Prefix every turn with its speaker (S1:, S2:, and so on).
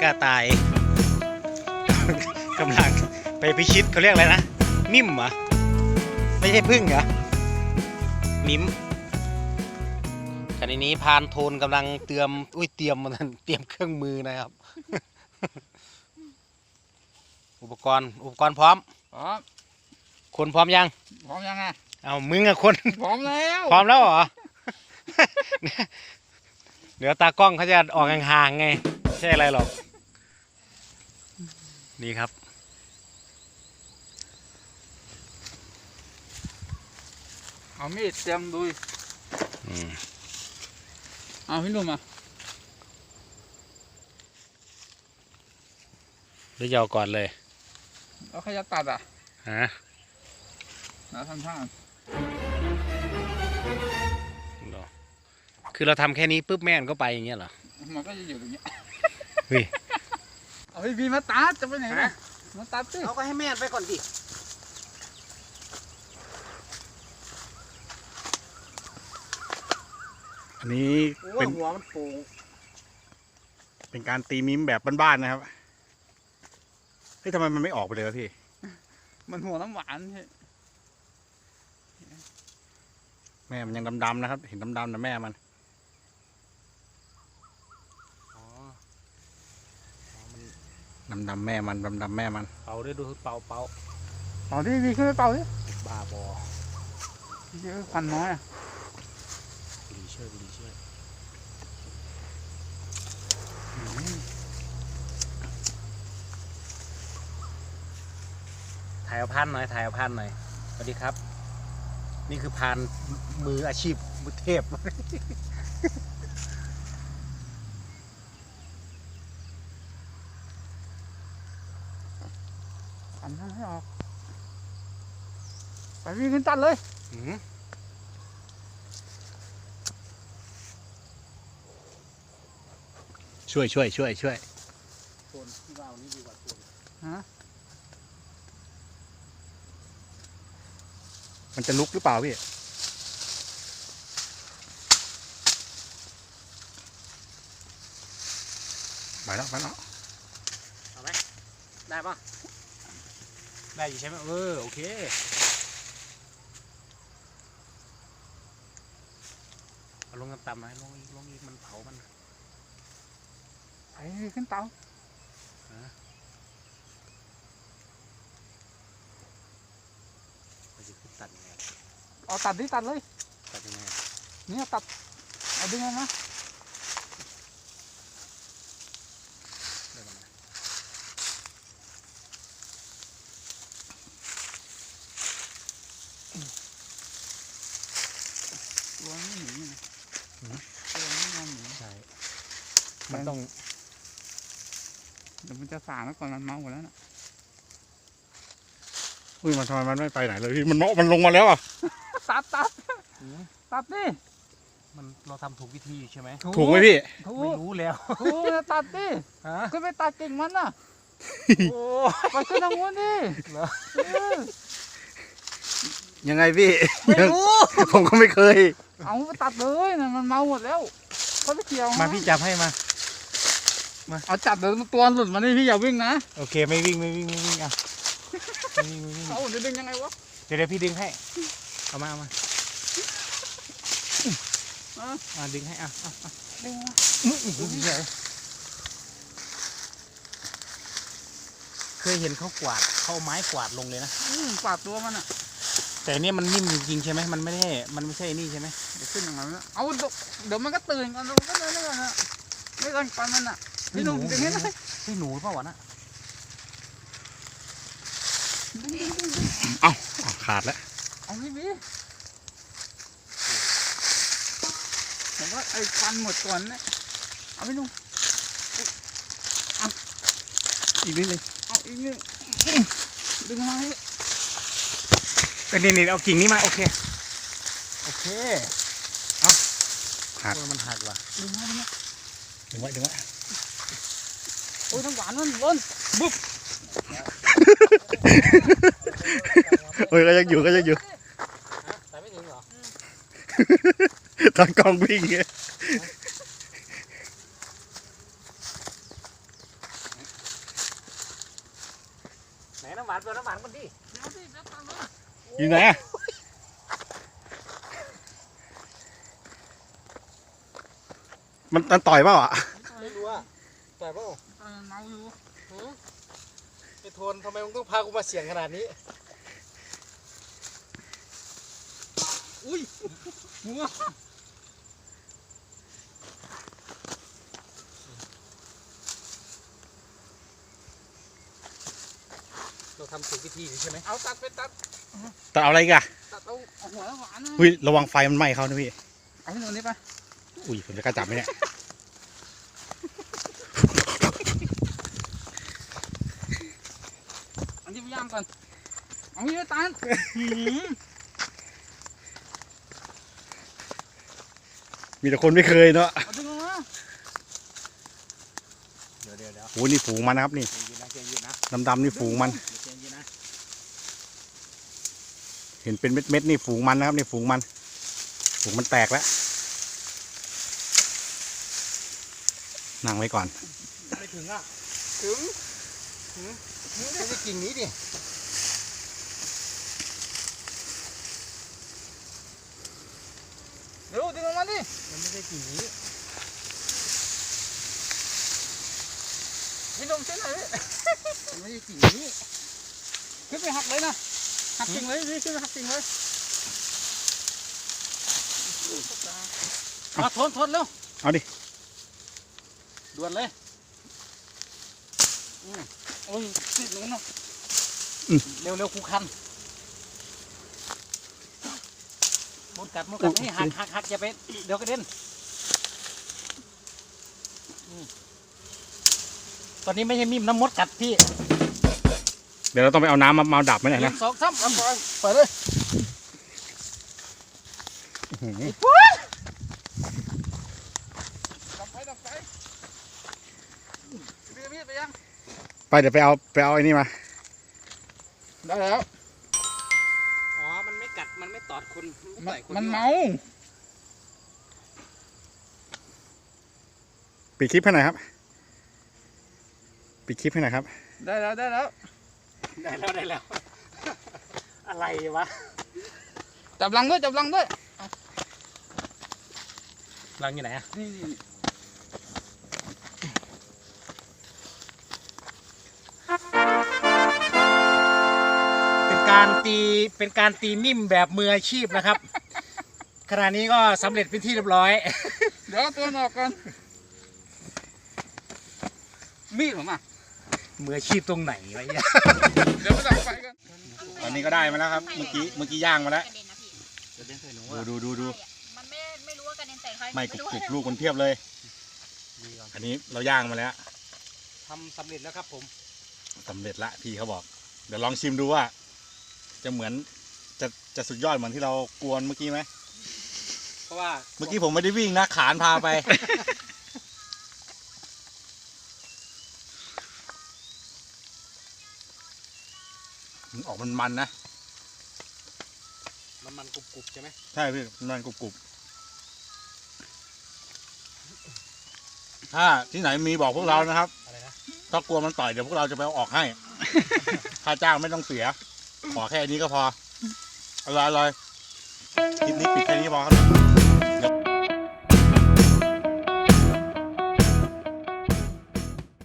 S1: ระต่ายกำลังไปพิชิตเขาเรียกอะไรนะมิมเหรอไม่ใช่พึ่งเหรอมิมขณะนี้พานโทนกำลังเตรียมเตรียมเครื่องมือนะครับ อุปกรณ์พร้อมคนพร้อมยังไงเอามึงอะคนพร้อมแล้วเหรอ เดี๋ยวตากล้องเขาจะออกห่างๆไงไม่ใช่อะไรหรอกนี่ครับ
S2: เอามีดเตรียมดูเอาพี่หนุ่มอ่ะ
S1: หรือจะเอาก่อนเลย
S2: แล้วใครจะตัดอ่ะ
S1: ฮะ
S2: แล้วทำท่า
S1: คือเราทำแค่นี้ปุ๊บแม่นก็ไปอย่างเงี้ยเหรอ
S2: มันก็จะอยู่ตรงนี้
S1: เฮ้ย
S2: เอาพี่มาตัดจะไปไหนนะมาตัดสิ
S1: เอาก็ให้แม่นไปก่อนดิ
S3: อันนี้เป็น
S1: หัวมันโป่ง
S3: เป็นการตีมิมแบบบ้านๆนะครับเฮ้ยทำไมมันไม่ออกไปเลยวะพี่
S2: มันหัวน้ำหวานใช่
S3: แม่มันยังดำๆนะครับเห็นดำๆนะแม่มันดำๆแม่มันดำๆแม่มัน
S1: เป่าด้วยดูเป่า
S2: ดิดีขึ้นไหมเป่าดิ
S1: บ้าบอ
S2: เยอะควันน้อยอ่ะ
S1: ดีเชื่อถ่ายเอาพันหน่อยสวัสดีครับนี่คือพานมืออาชีพมือเทพ
S2: อันนั้นให้ออกไปวิ่งขึ้นตัดเลย
S3: ช่วย
S1: โซนที่ว่านี้ดีกว่าโซน
S2: ฮะ
S3: มันจะลุกหรือเปล่าพี่ไปแล้ว
S1: เอาไหมได้ป่ะได้อยู่ใช่ไหมโอเคเอาลงต่ำๆหน่อยลงอีกมันเผามัน
S2: ไปขึ้นเตา
S1: ตัดยังไง
S2: เอาตัดดิตัดเลย
S1: ตัดยังไง
S2: นี่ตัดเอาดึงออกมาตัวนี้หนีนะตัวนี้นอนหนี
S1: ใช่มันต้อง
S2: เดี๋ยวมันจะสางแล้วก่อนมันเมาหมดแล้วนะ
S3: อุ้ยมันทำไมมันไม่ไปไหนเลยพี่มันลงมาแล้วอ่ะ
S2: ตัดดิ
S1: เราทำถูกวิธีใช่ไหม
S3: ถูกไหมพี่
S1: ไม่รู้แล้ว
S2: ถูกตัดดิขึ้นไปตัดกิ่งมันน่ะไปขึ้นทางนู้นดิ
S3: ยังไงพี่
S1: ไม่รู้
S3: ผมก็ไม่เคย
S2: เอาไปตัดเลยนะมันเมาหมดแล้วเขาไม่เกี่ยว
S1: มาพี่จับให้มา
S2: เอาจับเดี๋ยวตัวหลุดมาดิพี่อย่าวิ่งนะ
S1: โอเคไม่วิ่งอ่ะ
S2: เอาจะดึงยังไงวะ
S1: เดี๋ยวพี่ดึงให้เอามาดึงให้
S2: ดึง
S1: เคยเห็นเขากวาดเขาไม้กวาดลงเลยนะ
S2: กวาดตัวมันอ่ะ
S1: แต่เนี่ยมันนิ่มจริงๆใช่ไหมมันไม่ใช่นี่ใช่ไหม
S2: เดี๋ยวขึ้นอย่างนั้นเอาเดี๋ยวมันก็ตื่นกันเราก็เลยนะไม่ต้องปันมันอ่ะพี่หนุ่มดึงให้ได้
S1: พี่หนูเปล่าวะนะ
S3: เอาขาดแล้ว
S2: เอาพี่ผมว่าไอ้ฟันหมดก่อนนะเอาพี่หนุ่ม
S3: อีกนิดนึง
S2: เอาอีกนิดดึงมาให้
S1: นี่เอากิ่งนี้มาโอเคเอา
S3: หัก
S1: มันหักว่ะ
S2: ดึงไว้
S3: โอ้ย
S2: ทั้งหวานมันล้นบุ๊บ
S3: โอ้ยก็ยังอยู่
S1: แต่ไม่ถึงเหรอ
S3: ตอนกองวิ่ง
S1: ำหวานเปล่าน้ำหวานกันดิ
S2: เดี๋ยวสิเดี๋ยวตามมา
S3: อยู่ไหนอะมันต่อยเปล่าอ่ะ
S1: ไม่รู้อะแต่เปล่า
S2: เมาอยู่
S1: ไอ้โทนทำไมมึงต้องพากูมาเสี่ยงขนาดนี้
S2: อุ้ยหัว
S1: เราทำถูกวิธีใช่ไหม
S2: เอาตัดไปตัด
S3: แต่เอาอะไรอีกอะ
S2: ตัดเอาหัวหวานนะ
S3: อุ้ยระวังไฟมันไหม้เขานะพี่
S2: เอาที่ตรงนี้ไป
S3: อุ้ยผมจะกล้าจับไหมเนี่ย
S2: อันนี้พยายามก่อนเอาที่ไปตัด
S3: มีแต่คนไม่เคยเนาะ
S2: เอาดึงออกมา
S1: เดี๋ยว
S3: โอ้นี่ฝูงมันนะครับนี่
S1: เย็นนะ
S3: ดำๆนี่ฝูงมัน
S1: เย็นนะ
S3: เห็นเป็นเม็ดๆนี่ฝูงมันนะครับนี่ฝูงมันแตกแล้วนั่งไว้ก่อน
S1: ไม่ถึงอ่ะ
S2: ถึง
S1: ไม่ใช่กิ่งนี้ดิ
S2: เดี๋ยวดึงออกมาดิ
S1: มันไม่ใช่กิ่งนี้
S2: พี่นมเส้นไหนพี่
S1: มันไม่ใช่กิ่งนี้
S2: ขึ้นไปหักเลยนะหักกิ่งเลยพี่ขึ้นไปหักกิ่งเลย
S1: มาทนเร็ว
S3: เอาดิ
S1: ด่วนเลย
S2: โอ้ยติดหนูเนาะ
S1: เร็วคูคันมดกัดนี่หักอย่าไปเดี๋ยวกระเด็นตอนนี้ไม่ใช่มีมน้ำมดกัดพี่
S3: เดี๋ยวเราต้องไปเอาน้ำมาดับไหมเนี่ย
S2: หนึ่
S3: นะ
S2: งสองสามเอาไปเลย
S3: อื้อหือ
S2: ดับไฟพี่ไปยัง
S3: ไปเดี๋ยวไปเอาไอ้นี่มา
S2: ได้แล้ว
S1: อ๋อมันไม่กัดมันไม่ตอดคน
S2: มันเมา
S3: ปิดคลิปให้หน่อยครับปิดคลิปให้หน่อยครับ
S2: ได้แล้ว
S1: ได้แล้ว อะไรวะ
S2: จับลังด้วย
S1: รังอยู่ไหนอะ
S2: นี่
S1: เป็นการตีนิ่มแบบมืออาชีพนะครับ ขณะนี้ก็สำเร็จเป็นที่เรียบร้อย
S2: เดี๋ยวตัวออกก่อนมีดผมอ่ะ
S1: มืออาชีพตรงไหนวะเนี่ย
S2: เดี๋ยวไปดับไฟกัน
S3: ตอนนี้ก็ได้มาแล้วครับ เมื่อกี้ย่างมาแล้ว
S4: กระเด็นนะพี่
S3: ดู
S4: มันไม่รู้ว่ากระเด็นใส่ใคร
S3: ไม่กรุบลูกมันเพียบเลย อันนี้เราย่างมาแล้ว
S1: ทำสำเร็จแล้วครับผม
S3: สำเร็จละพี่เขาบอก เดี๋ยวลองชิมดูว่า จะเหมือนจะสุดยอดเหมือนที่เรากวนเมื่อกี้ไหม
S1: เพราะว่า
S3: เมื่อกี้ผมไม่ได้วิ่งนะขานพาไป ออกมันนะ
S1: มันกรุบๆใช่ไหม
S3: ใช่พี่มันกรุบถ้าที่ไหนมีบอกพวกเรานะครับ
S1: อะไรนะ
S3: ถ้ากลัวมันต่อยเดี๋ยวพวกเราจะไปเอาออกให้ ค่าจ้างไม่ต้องเสีย ขอแค่นี้ก็พออร่อยคลิปนี้ปิดแค่นี้พอครับ